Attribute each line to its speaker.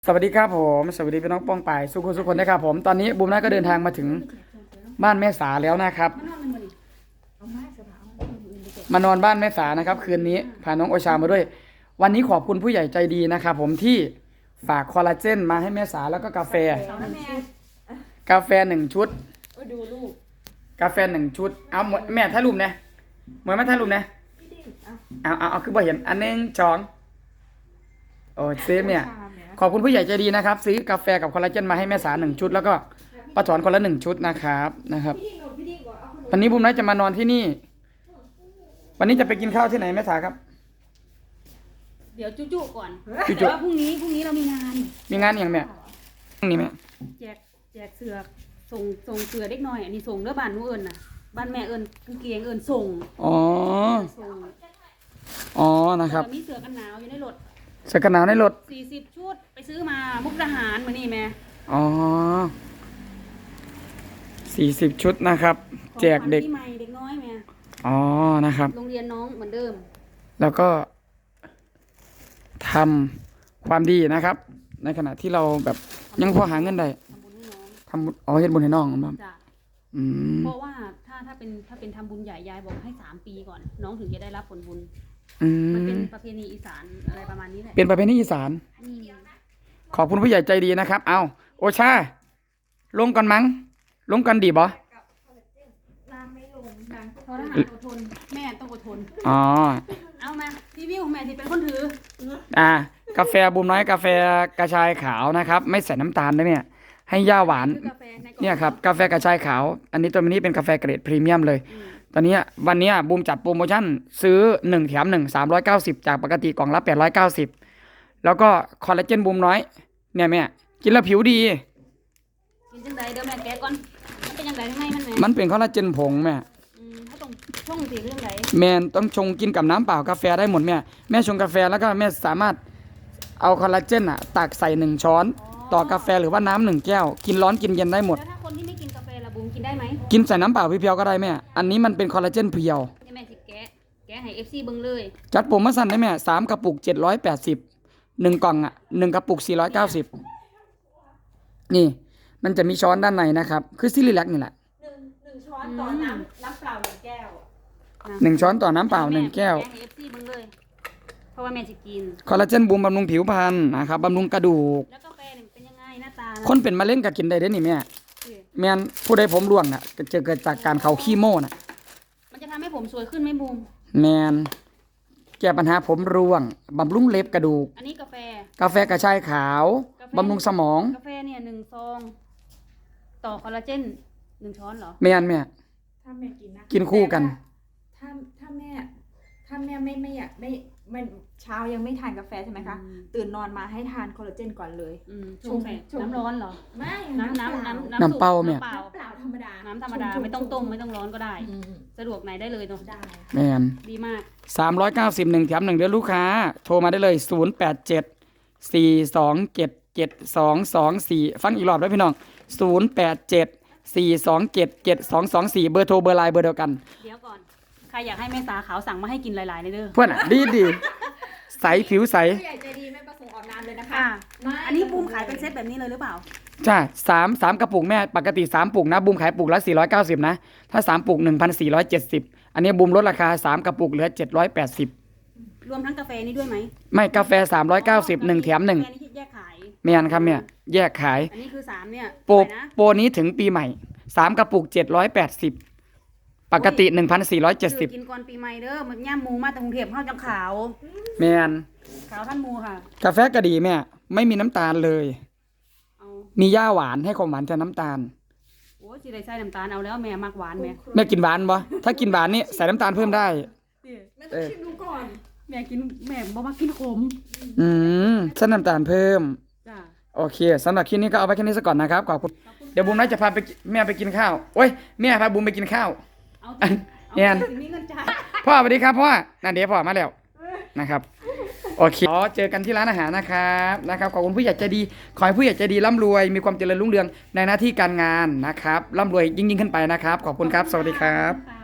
Speaker 1: สวัสดีครับผมสวัสดีพี่น้องป้องป่ายสุขคนนะครับผมตอนนี้บูมน้าก็เดินทางมาถึงบ้านแม่สาแล้วนะครับมานอนบ้านแม่สานะครับคืนนี้พาน้องโอชามาด้วยวันนี้ขอบคุณผู้ใหญ่ใจดีนะครับผมที่ฝากคอลลาเจนมาให้แม่สาแล้วก็กาแฟ1 ชุด
Speaker 2: ดูลูก
Speaker 1: กาแฟ1 ชุดเอาแม่ถ่ายรูปนะเหมือนแม่ถ่ายรูปนะเอาคือบ่เห็นอันนึงจองโอ้เซฟเนี่ยขอบคุณผู้ใหญ่ใจดีนะครับซื้อกาแฟกับคอลลาเจนมาให้แม่สา1 ชุดแล้วก็ป้าถอนคนละ1 ชุดนะครับวันนี้บุ้มน้อยจะมานอนที่นี่วันนี้จะไปกินข้าวที่ไหนแม่สาครับ
Speaker 2: เดี๋ยวจุ๊ก่อน
Speaker 1: จุ๊
Speaker 2: แต่ว่าพรุ่งนี้เรามีงาน
Speaker 1: อย่างแม่นี่แม่
Speaker 2: แจกเสือส่งเสือเด็กน้อยอันนี้ส่งเด้อบ้านหนูเอิญน่ะบ้านแม่เอิญกางเกงเอิญส่ง
Speaker 1: อ๋อนะครับ
Speaker 2: มีเสือกันหนาวอยู่ในรถ
Speaker 1: เสื้อกันหนาวในรถ
Speaker 2: 40 ชุดไปซื้อมามุกดาหารมานี่แม่
Speaker 1: อ๋อ40 ชุดนะครับแจกเด็ก
Speaker 2: ที่ใหม่เด็กน้อยแม่
Speaker 1: อ๋อนะครับ
Speaker 2: โรงเรียนน้องเหมือนเดิม
Speaker 1: แล้วก็ทำความดีนะครับในขณะที่เราแบบยังพอหาเงินได้ทำบุญเฮ็ดบุญให้น้องครับ
Speaker 2: เพราะว่าถ้าเป็นทำบุญใหญ่ยายบอกให้3 ปีก่อนน้องถึงจะได้รับผลบุญมันเป็นประเพณีอีสานอะไรประมาณนี้แหละ
Speaker 1: เป็นประเพณีอีสานขอบคุณผู้ใหญ่ใจดีนะครับเอาโอชาลงก่อนมั้งลงก่อนดีบ่
Speaker 2: เพราะทหารอดทนแม่ต้องอดทน
Speaker 1: อ๋อ
Speaker 2: เอามารีวิวแม่ที่เป็นคนถื
Speaker 1: อกาแฟบูมน้อยกาแฟกระชายขาวนะครับไม่ใส่น้ำตาลนะเนี่ยให้ย่าหวานเนี่ยครับกาแฟกระชายขาวอันนี้ตัวนี้เป็นกาแฟเกรดพรีเมียมเลยตอนนี้วันนี้บูมจัดโปรโมชั่นซื้อ1 แถม 1 390จากปกติกล่องละ890แล้วก็คอลลาเจนบูมน้อยเนี่ยแม่กินแล้วผิวดี
Speaker 2: กินจังไดเดี๋ยวแม่แกะก่อนมันเป็นยังไงให้
Speaker 1: มันเป็นคอลลาเจนผงแม่
Speaker 2: ถ้าต้องชงสีเรื่องไหน
Speaker 1: แม่ต้องชงกินกับน้ำเปล่ากาแฟได้หมดแม่ชงกาแฟแล้วก็แม่สามารถเอาคอลลาเจนตักใส่1 ช้อนต่อกาแฟหรือว่าน้ำ1 แก้วกินร้อนกินเย็นได้หมด
Speaker 2: แล้วถ้าคนที่ไม่กินกาแฟละบูมกินได้ไหม
Speaker 1: กินใส่น้ำเปล่าเพียวๆก็ได้แม่อันนี้มันเป็นคอลลาเจนเพียว
Speaker 2: แม่สิแกะให้ FC เบิ่งเลย
Speaker 1: จัดโปรโมชั่นได้แม่3 กระปุก780 1 กล่อง1 กระปุก490นี่มันจะมีช้อนด้านในนะครับคือซิลิแลกนี่แหละ
Speaker 3: 1 ช้อนต่อน้ำเปล่า1 แก้ว
Speaker 1: 1 ช้อนต่อน้ำเปล่า1 แก้ว
Speaker 2: ให้ FC เบิ่งเลยเพราะว่าแม่จะกิน
Speaker 1: คอลลาเจนบูมบำรุงผิวพรรณนะครับบำรุงกระดูก
Speaker 2: แล้วกาแฟเป็นยังไงหน้าตา
Speaker 1: คนเป็นมะเร็งก็กินได้เด้นี่แม่แม่นผู้ใดผมร่วงจะเกิดจากการเข้าคีโม
Speaker 2: มันจะทำให้ผมสวยขึ้นไหมบูม
Speaker 1: แม่นแก้ปัญหาผมร่วงบำรุงเล็บกระดูก
Speaker 2: อันนี้กาแฟ
Speaker 1: กระชายขาวบำรุงสมอง
Speaker 2: กาแฟเนี่ย1 ซองต่อคอลลาเจน1 ช้อนเหรอ
Speaker 1: แม่น
Speaker 3: ถ้าแม่กินนะ
Speaker 1: กินคู่กัน
Speaker 3: ถ้าแม่ไม่อยากไม่เช้ายังไม่ทานกาแฟใช่ไหมคะตื่นนอนมาให้ทานคอลลาเจนก่อนเลย
Speaker 2: ชงน้ำร้อนเหรอ
Speaker 3: ไม่
Speaker 1: น้ำเปล่าแม่
Speaker 3: เปล่าธรรมดา
Speaker 2: น้ำธรรมดาไม่ต้องต้มไม่ต้องร้อนก็ได้สะดวกไหนได้เลยเนาะ
Speaker 3: ได้
Speaker 1: แม่น
Speaker 2: ดีมาก
Speaker 1: 390 1 แถม 1เดือนลูกค้าโทรมาได้เลย087 427 7224ฟังอีกรอบด้วยพี่น้อง087 427 7224เบอร์โทรเบอร์ไลน์เบอร์เดียวกัน
Speaker 2: เดี๋ยวก่อนใครอยากให้แม่สาขาวสั่งมาให้กินหลายๆในเด้อ
Speaker 1: เพื่อนดีใสผิวใส
Speaker 3: ผู้ใหญ่ใจดีไม่ประสงค์ออกนามเลยนะคะ
Speaker 2: อันนี้บูมขายเป็นเซตแบบนี้เลยหรือเปล่า
Speaker 1: จ้า3 กระปุกแม่ปกติ3 ปุกนะบูมขายปุกละ490นะถ้า3 ปุก 1,470อันนี้บูมลดราคา3 กระปุกเหลือ780
Speaker 2: รวมทั้งกาแฟนี้ด้วยไหม
Speaker 1: ไม่กาแฟ390 1 แถม 1
Speaker 2: แยกขาย
Speaker 1: แม่นครับเนี่ยแยกขาย
Speaker 2: อันนี้คือ3เนี่ย
Speaker 1: โปรนี้ถึงปีใหม่3 กระปุก780ปกติ 1,470
Speaker 2: กินก่อนปีใหม่เด้อมันย่ำหมูมาแต่กรุงเทพเฮาจังขาว
Speaker 1: แม่น
Speaker 2: ขาวท่านหมูค่ะ
Speaker 1: กาแฟก็ดีแม่ไม่มีน้ำตาลเลยมีย่าหวานให้ความหวานแทนน้ำตาล
Speaker 2: โอ้สิได้ใส่น้ำตาลเอาแล้วแม่มักหวาน
Speaker 1: แม่กินหวานบ่ถ้ากินหวานนี่ใส่น้ำตาลเพิ่มได้
Speaker 3: แม่ต้องชิมดูก่อน
Speaker 2: แม่บ่มักกินขม
Speaker 1: ใส่น้ำตาลเพิ่มจ้าโอเคสำหรับคลิปนี้ก็เอาไว้แค่นี้ซะก่อนนะครับขอบคุณเดี๋ยวบูมน่าจะพาไปแม่ไปกินข้าวโอ้ยแม่พาบูมไปกินข้าว
Speaker 2: เนี่ยมีเงินจ่าย
Speaker 1: พ่อสวัสดีครับพ่อนั่นเดี๋ยวพ่อมาแล้วนะครับโอเคเจอกันที่ร้านอาหารนะครับขอบคุณผู้ใหญ่ใจดีขอให้ผู้ใหญ่ใจดีร่ำรวยมีความเจริญรุ่งเรืองในหน้าที่การงานนะครับร่ำรวยยิ่งขึ้นไปนะครับขอบคุณครับสวัสดีครับ